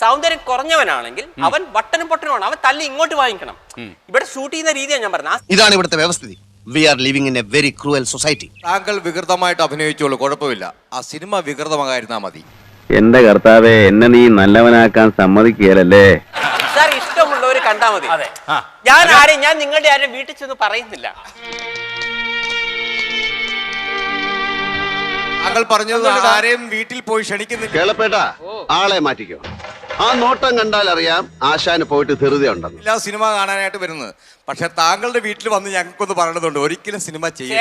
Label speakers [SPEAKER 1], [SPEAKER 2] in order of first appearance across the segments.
[SPEAKER 1] സൗന്ദര്യം കുറഞ്ഞവനാണെങ്കിൽ അവൻ ബട്ടനും പൊട്ടനുമാണ്, അവൻ തല്ലി ഇങ്ങോട്ട് വാങ്ങിക്കണം. ഇവിടെ ഷൂട്ട് ചെയ്യുന്ന രീതിയാണ് ഞാൻ പറഞ്ഞത്.
[SPEAKER 2] ഇതാണ് ഇവിടുത്തെ വ്യവസ്ഥിതി. We are living in a very cruel society.
[SPEAKER 3] താങ്കൾ വികൃതമായിട്ട് അഭിനയിച്ചോളൂ, കുഴപ്പമില്ല. ആ സിനിമ വികൃതമായിരുന്നാ മതി.
[SPEAKER 4] എന്റെ കർത്താവേ, എന്നെ നീ നല്ലവനാക്കാൻ സമ്മതിക്കുകയല്ലേ?
[SPEAKER 1] സാർ ഇഷ്ടമുള്ളവർ കണ്ടാ മതി. ഞാൻ നിങ്ങളുടെ ആരും വീട്ടിൽ ചെന്ന് പറയുന്നില്ല.
[SPEAKER 3] താങ്കൾ പറഞ്ഞത് ആരെയും വീട്ടിൽ പോയി ക്ഷണിക്കുന്നില്ല.
[SPEAKER 2] കേളപ്പേട്ട, ആളെ മാറ്റിക്കോ. ആ നോട്ടം കണ്ടാൽ അറിയാം ആശാന് പോയിട്ട് ധൃതിയുണ്ടെന്ന്.
[SPEAKER 3] എല്ലാ സിനിമ കാണാനായിട്ട് വരുന്നത്. പക്ഷെ താങ്കളുടെ വീട്ടിൽ വന്ന് ഞങ്ങൾക്കൊന്ന് പറയണതുണ്ട്, ഒരിക്കലും സിനിമ ചെയ്യും.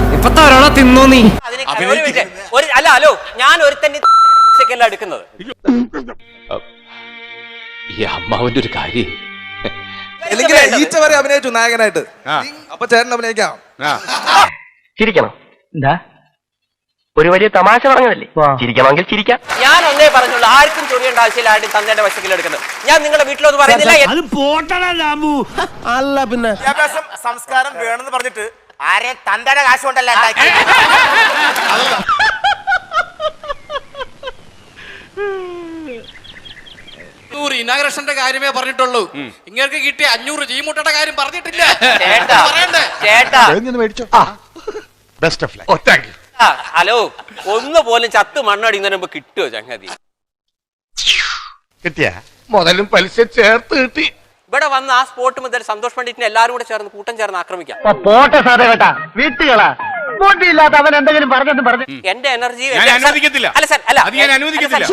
[SPEAKER 1] അല്ല ഹലോ, ഞാൻ ഒരു തന്നെ എടുക്കുന്നത്.
[SPEAKER 5] ഈ അമ്മാവന്റെ ഒരു കാര്യം
[SPEAKER 3] ഈച്ച വരെ അഭിനയിച്ചു നായകനായിട്ട്. അപ്പൊ ചേട്ടൻ അഭിനയിക്കാം.
[SPEAKER 6] ചിരിക്കണം. എന്താ ഒരു വലിയ തമാശ പറഞ്ഞതല്ലേ, ചിരിക്കണമെങ്കിൽ ചിരിക്കാം.
[SPEAKER 1] ഞാൻ ഒന്നേ പറഞ്ഞുള്ളൂ, ആർക്കും ചൊറിയേണ്ട ആവശ്യമില്ല. ആരും തന്തയുടെ വശക്കിൽ എടുക്കുന്നത് ഞാൻ നിങ്ങളുടെ വീട്ടിലൊന്നും പറയുന്നില്ല.
[SPEAKER 2] അല്ല പിന്നെ
[SPEAKER 7] വിദ്യാഭ്യാസം സംസ്കാരം വേണമെന്ന് പറഞ്ഞിട്ട് ആരെ തന്തയുടെ കാശ് കൊണ്ടല്ല
[SPEAKER 8] ഇനാഗ്രേഷന്റെ കാര്യമേ പറഞ്ഞിട്ടുള്ളൂ. ഇങ്ങനെ കിട്ടിയ 500 ജീമുട്ടയുടെ കാര്യം പറഞ്ഞിട്ടില്ല.
[SPEAKER 1] ഹലോ, ഒന്ന് പോലും ചത്ത് മണ്ണടിക്കുന്നതിന് മുമ്പ് കിട്ടുമോ ചങ്ങാതി?
[SPEAKER 2] കിട്ടിയ മുതലും പലിശ ചേർത്ത് കിട്ടി.
[SPEAKER 1] ഇവിടെ വന്ന് ആ സ്പോട്ട് മുതൽ സന്തോഷ് പണ്ഡിറ്റിനെ എല്ലാവരും കൂടെ ചേർന്ന് കൂട്ടം ചേർന്ന് ആക്രമിക്കാം.
[SPEAKER 6] പോട്ടെ സാറേ കേട്ടാ, വീട്ടുകളാ ബോട്ടിയില്ലാത്ത അവൻ എന്തെങ്കിലും പറഞ്ഞെന്ന് പറഞ്ഞു.
[SPEAKER 1] എന്റെ എനർജി
[SPEAKER 5] അനുവദിക്കത്തില്ല.
[SPEAKER 1] അല്ല സാർ, അല്ല
[SPEAKER 5] അത് ഞാൻ അനുവദിക്കത്തില്ല.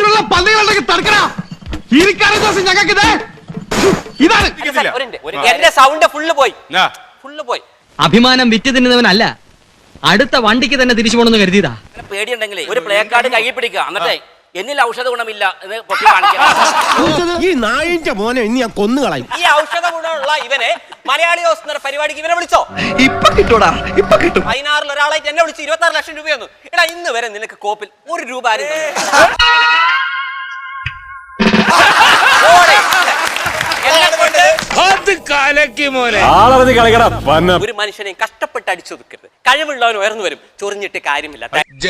[SPEAKER 1] എന്റെ സൗണ്ട് ഫുള്ള് പോയി.
[SPEAKER 9] അഭിമാനം വിറ്റ് തിന്നുന്നവനല്ല, അടുത്ത വണ്ടിക്ക് തന്നെ തിരിച്ചു പോണെന്ന് കരുതിയതാ.
[SPEAKER 7] പേടിയുണ്ടെങ്കിലേ ഒരു പ്ലേ കാർഡ് കൈ പിടിക്കുക, എന്നിട്ടേ എന്നിൽ ഔഷധ ഗുണമില്ല എന്ന് പൊട്ടി കാണിക്കാം.
[SPEAKER 2] ഈ നായിന്റെ മോനെ ഇനി ഞാൻ കൊന്നുകളയും.
[SPEAKER 1] ഈ ഔഷധ ഗുണമുള്ള ഇവനെ മലയാളി ഹൗസ് എന്ന പരിപാടിക്ക് ഇവനെ വിളിച്ചോ?
[SPEAKER 2] ഇപ്പൊ കിട്ടൂടാ, ഇപ്പൊ കിട്ടും.
[SPEAKER 1] 16 ഒരാളായിട്ട് എന്നെ വിളിച്ച് 26 ലക്ഷം രൂപയൊന്നും. എടാ, ഇന്ന് വരെ നിനക്ക് കോപ്പിൽ 1 രൂപ ആരും ഒരു മനുഷ്യനെ കഷ്ടപ്പെട്ട് അടിച്ചൊതുക്കരുത്. കഴിവുള്ളവൻ ഉയർന്നു വരും, ചൊറിഞ്ഞിട്ട് കാര്യമില്ല.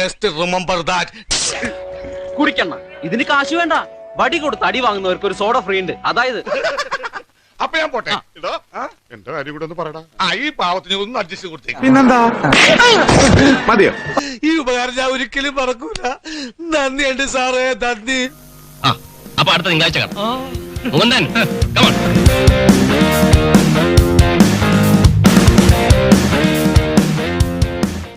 [SPEAKER 9] കുടിക്കണ്ട, ഇതിന് കാശ് വേണ്ട. വടി കൊടുത്ത് അടി വാങ്ങുന്നവർക്ക് ഒരു സോഡ ഫ്രീ ഉണ്ട്. അതായത്
[SPEAKER 10] അപ്പൊ ഞാൻ പോട്ടെ. എന്റെ കാര്യം കൂടെ ഒന്ന് പറയടാ. ഈ പാവത്തിന് ഒന്ന് അഡ്ജസ്റ്റ് കൊടുത്തേ.
[SPEAKER 2] പിന്നെന്താ മതിയോ?
[SPEAKER 8] ഈ ഉപകാരം ഞാൻ ഒരിക്കലും മറക്കൂല. നന്ദിയുണ്ട് സാറേ, നന്ദി.
[SPEAKER 4] അപ്പൊ അടുത്ത തിങ്കളാഴ്ച കാണാം.